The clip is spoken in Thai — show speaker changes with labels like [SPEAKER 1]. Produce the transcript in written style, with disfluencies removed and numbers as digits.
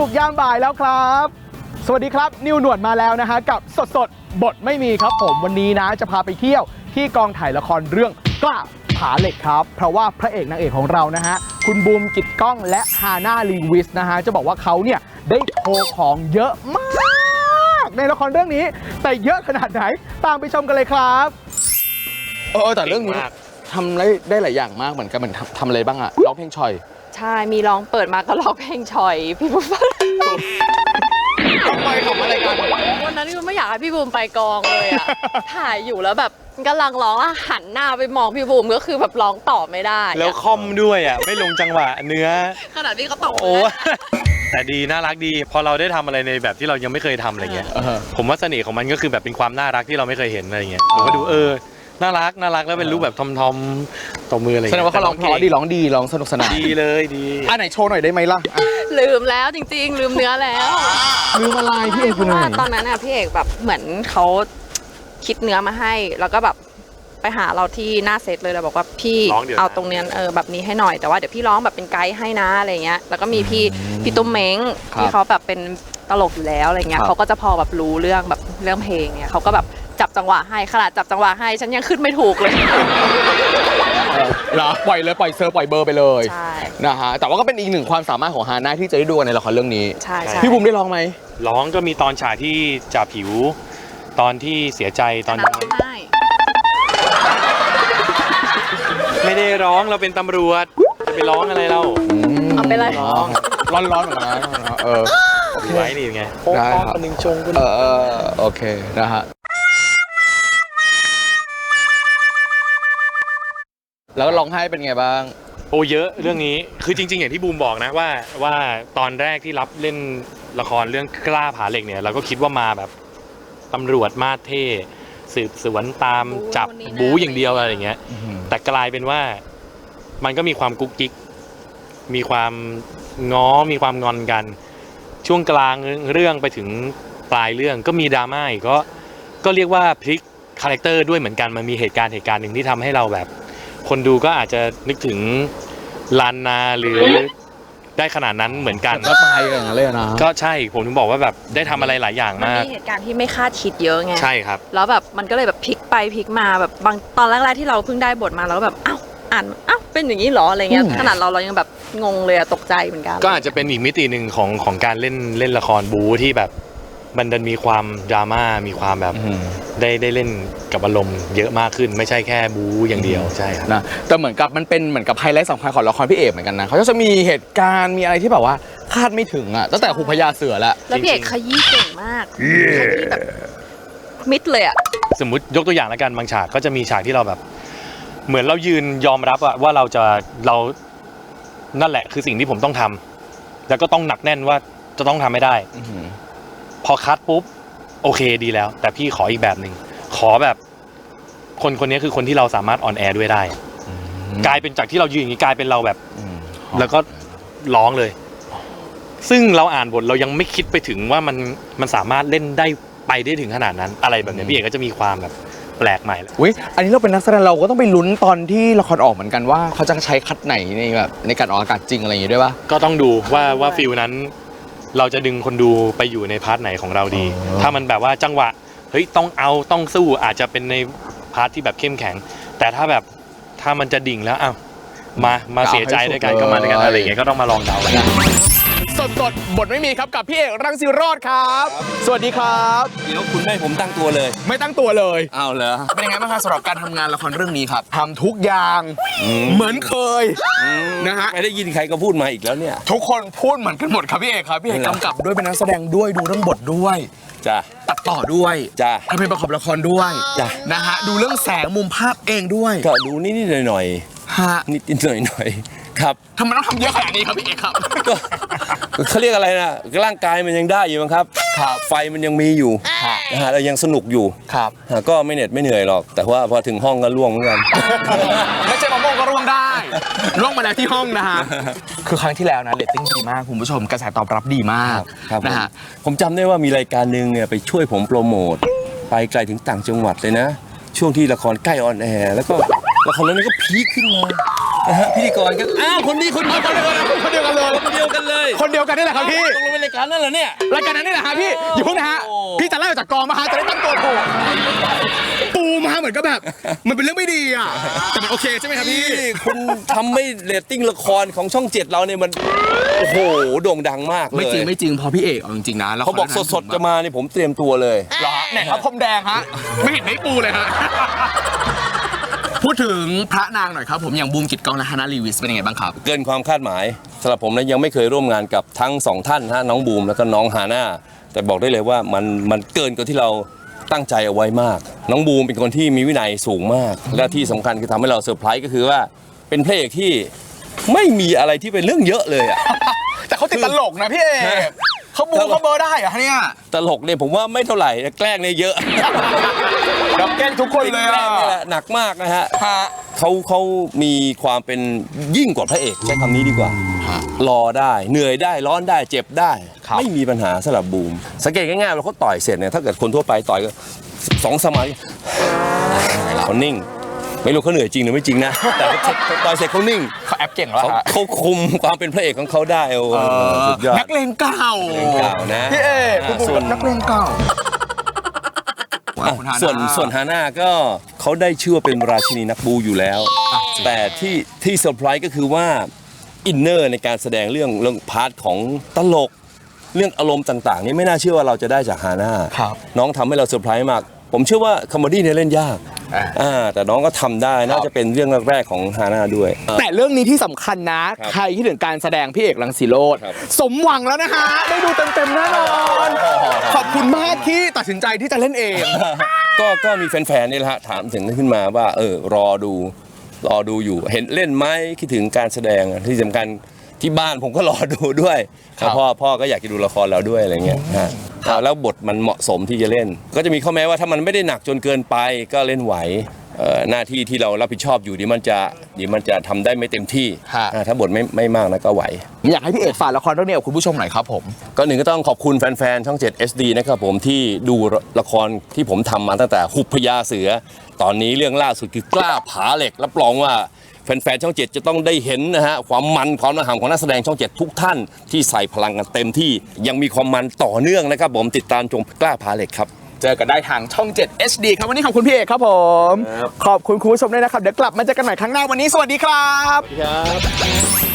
[SPEAKER 1] กยามบ่ายแล้วครับสวัสดีครับนิวหนวดมาแล้วนะฮะกับสดบทไม่มีครับผมวันนี้นะจะพาไปเที่ยวที่กองถ่ายละครเรื่องกล้าผาเหล็กครับเพราะว่าพระเอกนางเอกของเรานะฮะคุณบูมกิตก้องและฮาน่าลีวิสนะฮะจะบอกว่าเขาเนี่ยได้โชว์ของเยอะมากในละครเรื่องนี้แต่เยอะขนาดไหนตามไปชมกันเลยครับแต่เรื่องนี้ทำได้หลายอย่างมากเหมือนกันเหมือนทำอะไรบ้างอะร้องเพลงชอย
[SPEAKER 2] ใช่มีร้องเปิดมาก็ร้องเพลงชอยพี่บูม
[SPEAKER 1] ทำไมทำอะไรกัน
[SPEAKER 2] วันนั้นคือไม่อยากให้พี่บูมไปกองเลยอะถ่ายอยู่แล้วแบบกำลังร้องอะหันหน้าไปมองพี่บูมก็คือแบบร้องต่อไม่ได้
[SPEAKER 3] แล้วคอมด้วยอะไม่ลงจังหวะเนื้อ
[SPEAKER 2] ขนาดที่เขาตก
[SPEAKER 3] โอ้แต่ดีน่ารักดีพอเราได้ทำอะไรในแบบที่เรายังไม่เคยทำอะไรเงี้ยผมว่าเสน่ห์ของมันก็คือแบบเป็นความน่ารักที่เราไม่เคยเห็นอะไรเงี้ยผมก็ดูน่ารักแล้วเป็นรูปแบบทอมตบมืออะไรแสด
[SPEAKER 1] งว่าเขาร้องเพราะดีร้องสนุกสนาน
[SPEAKER 3] ดีเลยดี
[SPEAKER 1] ไหนโชว์หน่อยได้ไหมล่ะ
[SPEAKER 2] ลืมแล้วจริงๆลืมเนื้อแล้ว
[SPEAKER 1] ลืมอะไรพี่เอกคุณ
[SPEAKER 2] ตอนนั้นน่ะพี่เอกแบบเหมือนเขาคิดเนื้อมาให้แล้วก็แบบไปหาเราที่หน้าเซตเลยเราบอกว่าพี่เอาตรงเนี้ยแบบนี้ให้หน่อยแต่ว่าเดี๋ยวพี่ร้องแบบเป็นไกด์ให้นะอะไรเงี้ยแล้วก็มีพี่ตุ้มเม้งที่เขาแบบเป็นตลกอยู่แล้วอะไรเงี้ยเขาก็จะพอแบบรู้เรื่องเพลงเนี่ยเขาก็แบบจับจังหวะให้ขนาดจับจังหวะให้ฉันยังขึ้นไม่ถูกเลย
[SPEAKER 1] เหรอปล่อยเบอร์ไปเลยใช่นะฮะแต่ว่าก็เป็นอีกหนึ่งความสามารถของฮาน่าที่จะได้ดูในละครเรื่องนี้
[SPEAKER 2] ใช่
[SPEAKER 1] พี่บุ๋มได้ร้องไหม
[SPEAKER 3] ร้องก็มีตอนฉากที่จ่าผิวตอนที่เสียใจตอนไม่ได้ร้องเราเป็นตำรวจจะไปร้องอะไรเรา
[SPEAKER 2] เอาไปเลย
[SPEAKER 1] ร้อนเหมือนกันนะ
[SPEAKER 3] ไว้นี่ไง
[SPEAKER 1] ได้ครับ
[SPEAKER 3] หนึ่งชง
[SPEAKER 1] โอเคนะฮะแล้วร้องไห้เป็นไงบ้าง
[SPEAKER 3] โอ้เยอะเรื่องนี้คือจริงๆอย่างที่บูมบอกนะว่าตอนแรกที่รับเล่นละครเรื่องกล้าผาเหล็กเนี่ยเราก็คิดว่ามาแบบตำรวจมาเท่สืบสวนตามจับบู๊อย่างเดียวอะไรอย่างเงี้ยแต่กลายเป็นว่ามันก็มีความกุ๊กกิ๊กมีความง้อมีความงอนกันช่วงกลางเรื่องไปถึงปลายเรื่องก็มีดราม่าอีกก็เรียกว่าพลิกคาแรคเตอร์ด้วยเหมือนกันมันมีเหตุการณ์หนึ่งที่ทำให้เราแบบคนดูก็อาจจะนึกถึงลานนาหรือได้ขนาดนั้นเหมือนกัน
[SPEAKER 1] ก็ตายอย่างนั้นเลยนะ
[SPEAKER 3] ก็ใช่ผมถึงบอกว่าแบบได้ทำอะไรหลายอย่างมาก
[SPEAKER 2] มีเหตุการณ์ที่ไม่คาดคิดเยอะไง
[SPEAKER 3] ใช่ครับ
[SPEAKER 2] แล้วแบบมันก็เลยแบบพลิกไปพลิกมาแบบบางตอนแรกๆที่เราเพิ่งได้บทมาแล้วแบบอ่านเป็นอย่างนี้หรออะไรเงี้ยขนาดเรายังแบบงงเลยตกใจเหมือนกัน
[SPEAKER 3] ก็อาจจะเป็นอีกมิติหนึ่งของการเล่นละครบู๊ที่แบบมันดันมีความดราม่ามีความแบบได้เล่นกับอารมณ์เยอะมากขึ้นไม่ใช่แค่บู๊อย่างเดียวใช่ครับ
[SPEAKER 1] นะแต่เหมือนกับมันเป็นเหมือนกับไฮไลท์สำคัญของละครพี่เอกเหมือนกันนะเขาจะมีเหตุการณ์มีอะไรที่แบบว่าคาดไม่ถึงอ่ะตั้งแต่หุบพญาเสือแล้ว
[SPEAKER 2] พี่เอกขยี้เก่งมากขยี้แบบมิดเลยอ่ะ
[SPEAKER 3] สมมุติยกตัวอย่างแล้วกันบางฉากก็จะมีฉากที่เราแบบเหมือนเรายืนยอมรับว่าเรานั่นแหละคือสิ่งที่ผมต้องทำแล้วก็ต้องหนักแน่นว่าจะต้องทำให้ได้พอคัดปุ๊บโอเคดีแล้วแต่พี่ขออีกแบบหนึ่งขอแบบคนนี้คือคนที่เราสามารถออนแอร์ด้วยได้กลายเป็นจากที่เรายืนอย่างนี้กลายเป็นเราแบบแล้วก็ร้องเลยซึ่งเราอ่านบทเรายังไม่คิดไปถึงว่ามันสามารถเล่นได้ไปได้ถึงขนาดนั้นอะไรแบบนี้พี่เอกก็จะมีความแบบแปลกใหม่เลย
[SPEAKER 1] อุ้ยอันนี้เราเป็นนักแสดงเราก็ต้องไปลุ้นตอนที่ละครออกเหมือนกันว่าเขาจะใช้คัดไหนในการออกอากาศจริงอะไรอย่างงี้ด้วยป่ะ
[SPEAKER 3] ก็ต้องดูว่าฟิลนั้นเราจะดึงคนดูไปอยู่ในพาร์ทไหนของเราดีถ้ามันแบบว่าจังหวะเฮ้ยต้องสู้อาจจะเป็นในพาร์ทที่แบบเข้มแข็งแต่ถ้ามันจะดิ่งแล้วมาเสียใจด้วยกันก็มาด้วยกันอะไรอย่างเงี้ยก็ต้องมาลองเดากัน
[SPEAKER 1] สดบทไม่มีครับกับพี่เอกรังสิโรจน์ครับสวัสดีครับ
[SPEAKER 4] เดี๋ยวคุณไม่ผมตั้งตัวเลย
[SPEAKER 1] ไม่ตั้งตัวเลย
[SPEAKER 4] อ้าวเหรอ
[SPEAKER 1] เป็นยังไงบ้างครับสำหรับการทำงานละครเรื่องนี้ครับทำทุกอย่างเหมือนเคยนะฮะ
[SPEAKER 4] ไม่ได้ยินใครก็พูดมาอีกแล้วเนี่ย
[SPEAKER 1] ทุกคนพูดเหมือนกันหมดครับพี่เอกครับพี่เอกกำกับด้วยเป็นนักแสดงด้วยดูเรื่องบทด้วย
[SPEAKER 4] จ้ะ
[SPEAKER 1] ตัดต่อด้วย
[SPEAKER 4] จ้ะ
[SPEAKER 1] ทำเพลงประกอบละครด้วย
[SPEAKER 4] จ้ะ
[SPEAKER 1] นะฮะดูเรื่องแสงมุมภาพเองด้วย
[SPEAKER 4] ก็ดูนิดหน่อย
[SPEAKER 1] ฮะ
[SPEAKER 4] นิดหน่อยครับ
[SPEAKER 1] ทำไมต้องทำเยอะขนาดนี้ครับพี่เอกครับ
[SPEAKER 4] ก็เขาเรียกอะไรนะร่างกายมันยังได้อยู่มั้งครับไฟมันยังมีอยู่นะฮะเรายังสนุกอยู่
[SPEAKER 1] ครับ
[SPEAKER 4] ก็ไม่เหน็ดไม่เหนื่อยหรอกแต่ว่าพอถึงห้องก็ร่วงเหมือนกัน
[SPEAKER 1] ไม่ใช่มะม่วงก็ร่วงได้ร่วงมาแล้วที่ห้องนะฮะคือครั้งที่แล้วนะเรตติ้งดีมากคุณผู้ชมกระแสตอบรับดีมากนะฮะ
[SPEAKER 4] ผมจำได้ว่ามีรายการนึงเนี่ยไปช่วยผมโปรโมทไปไกลถึงต่างจังหวัดเลยนะช่วงที่ละครใกล้ออนแอร์แล้วก็ละครเรื่องนี้ก็พีคขึ้นมาพิธีกรก็อ้าวคนนี้คนเดียวกันเลย
[SPEAKER 1] คนเดียวกันเลย
[SPEAKER 4] คนเดียวกันเลย
[SPEAKER 1] คนเดียวกันนี่แหละครับพี่
[SPEAKER 4] ตกลงเป็นรายการนั่นเหรอเนี่ย
[SPEAKER 1] รายการนั้นนี่แหละฮะพี่อย่าเพิ่งนะฮะ
[SPEAKER 4] โอ้
[SPEAKER 1] พี่จะไล่ออกจากกองมาฮะจะได้ตั้งตัวถูกปูมาเหมือนก็แบบมันเป็นเรื่องไม่ดีอ่ะแต่มันโอเคใช่ไหมครับพี่
[SPEAKER 4] นี่คุณทำให้เรตติ้งละครของช่อง 7เราเนี่ยมันโอ้โหโด่งดังมากเลย
[SPEAKER 1] ไม่จริงพอพี่เอกเอาจริงๆนะแล้ว
[SPEAKER 4] เขาบอกสดๆจะมานี่ผมเตรียมตัวเลย
[SPEAKER 1] เหรอฮะไหนครับพรมแดงฮะไม่เห็นได้ปูเลยฮะพูดถึงพระนางหน่อยครับผมอย่างบูมกิตกองและฮานาลีวิสเป็นยังไงบ้างครับ
[SPEAKER 4] เกินความคาดหมายสำหรับผมนะยังไม่เคยร่วมงานกับทั้งสองท่านฮะน้องบูมแล้วก็น้องฮาน่าแต่บอกได้เลยว่ามันเกินกว่าที่เราตั้งใจเอาไว้มาก น้องบูมเป็นคนที่มีวินัยสูงมาก และที่สำคัญคือทำให้เราเซอร์ไพรส์ก็คือว่าเป็นพระเอกที่ไม่มีอะไรที่เป็นเรื่องเยอะเลยอะ
[SPEAKER 1] แต่เขาติดตลกนะพี่เอกเขาบูเขาเบอร์ได้เหรอเนี่ย
[SPEAKER 4] ตลกเนี่ยผมว่าไม่เท่าไหร่แกล้งเนี่ยเยอะ
[SPEAKER 1] รับแกล้งทุกคนเลย
[SPEAKER 4] แกล้
[SPEAKER 1] อ่ะ
[SPEAKER 4] งนี่แหละหนักมากนะฮะ
[SPEAKER 1] ฮะ
[SPEAKER 4] เขามีความเป็นยิ่งกว่าพระเอกใช้คำนี้ดีกว่า รอได้เหนื่อยได้ร้อนได้เจ็บได้ ไม่มีปัญหาสำหรับบูม สังเกตง่ายๆว่าเขาต่อยเสร็จเนี่ยถ้าเกิดคนทั่วไปต่อยก็2 สมัยเขานิ่ง ไม่รู้เขาเหนื่อยจริงหรือไม่จริงนะ แต่เขาต่อยเสร็จเขานิ่ง
[SPEAKER 1] เขาแอปเก่งแล้วฮะ
[SPEAKER 4] เขาคุมความเป็นพระเอกของเขาได้โอ้สุดยอด
[SPEAKER 1] นักเลงเก่า
[SPEAKER 4] นักเลงเก่านะ
[SPEAKER 1] พี่เอกคุณบู
[SPEAKER 4] ส่วน
[SPEAKER 1] นักเลงเก่า
[SPEAKER 4] ส่วนฮาน่าก็เขาได้ชื่อว่าเป็นราชินีนักบูอยู่แล้ว แต่ที่เซอร์ไพรส์ก็คือว่าอินเนอร์ในการแสดงเรื่องพาร์ทของตลก เรื่องอารมณ์ต่างๆนี่ไม่น่าเชื่อว่าเราจะได้จากฮาน่า
[SPEAKER 1] ครับ
[SPEAKER 4] น้องทำให้เราเซอร์ไพรส์มาก ผมเชื่อว่าคอมเมดี้เนี่ยเล่นยากแต่น้องก็ทำได้น่าจะเป็นเรื่องแรกๆของฮาน่าด้วย
[SPEAKER 1] แต่เรื่องนี้ที่สำคัญนะ
[SPEAKER 4] ครับ
[SPEAKER 1] ใครที่ถึงการแสดงพี่เอกรังสีโรจน์
[SPEAKER 4] ครับ
[SPEAKER 1] สมหวังแล้วนะฮะ ได้ดูเต็มๆแน่นอน ขอบคุณมากที่ตัดสินใจที่จะเล่นเอง
[SPEAKER 4] ก็มีแฟนๆนี่แหละฮะถามถึงขึ้นมาว่ารอดูอยู่เห็นเล่นไหมคิดถึงการแสดงที่สำคัญที่บ้านผมก็รอดูด้วย
[SPEAKER 1] ครับ
[SPEAKER 4] พ่อก็อยากจะดูละครเราด้วยอะไรเงี้ยฮะแล้วบทมันเหมาะสมที่จะเล่น ก็จะมีข้อแม้ว่าถ้ามันไม่ได้หนักจนเกินไปก็เล่นไหวหน้าที่ที่เรารับผิดชอบอยู่ดีมันจะทำได้ไม่เต็มที่ถ้าบทไม่มากนะก็ไหว
[SPEAKER 1] อยากให้พี่เอกฝากละครเรื่องนี้กับคุณผู้ชมหน่อยครับผม
[SPEAKER 4] ก็หนึ่งก็ต้องขอบคุณแฟนๆช่อง 7 SD นะครับผมที่ดูละครที่ผมทำมาตั้งแต่หุบพญาเสือ ตอนนี้เรื่องล่าสุดคือกล้าผาเหล็กรับรองว่าแฟนๆช่อง 7 จะต้องได้เห็นนะฮะความมันความน่าหามของนักแสดงช่อง 7 ทุกท่านที่ใส่พลังกันเต็มที่ยังมีความมันต่อเนื่องนะครับผมติดตามชมกล้าผาเหล็กครับ
[SPEAKER 1] เจอกันได้ทางช่อง 7 HD ครับวันนี้ขอบคุณพี่เอกครับผม
[SPEAKER 4] ครับ
[SPEAKER 1] ขอบคุณคุณผู้ชมด้วยนะครับเดี๋ยวกลับมาเจอกันใหม่ครั้งหน้าวันนี้สวัสดีครับ
[SPEAKER 4] ครับ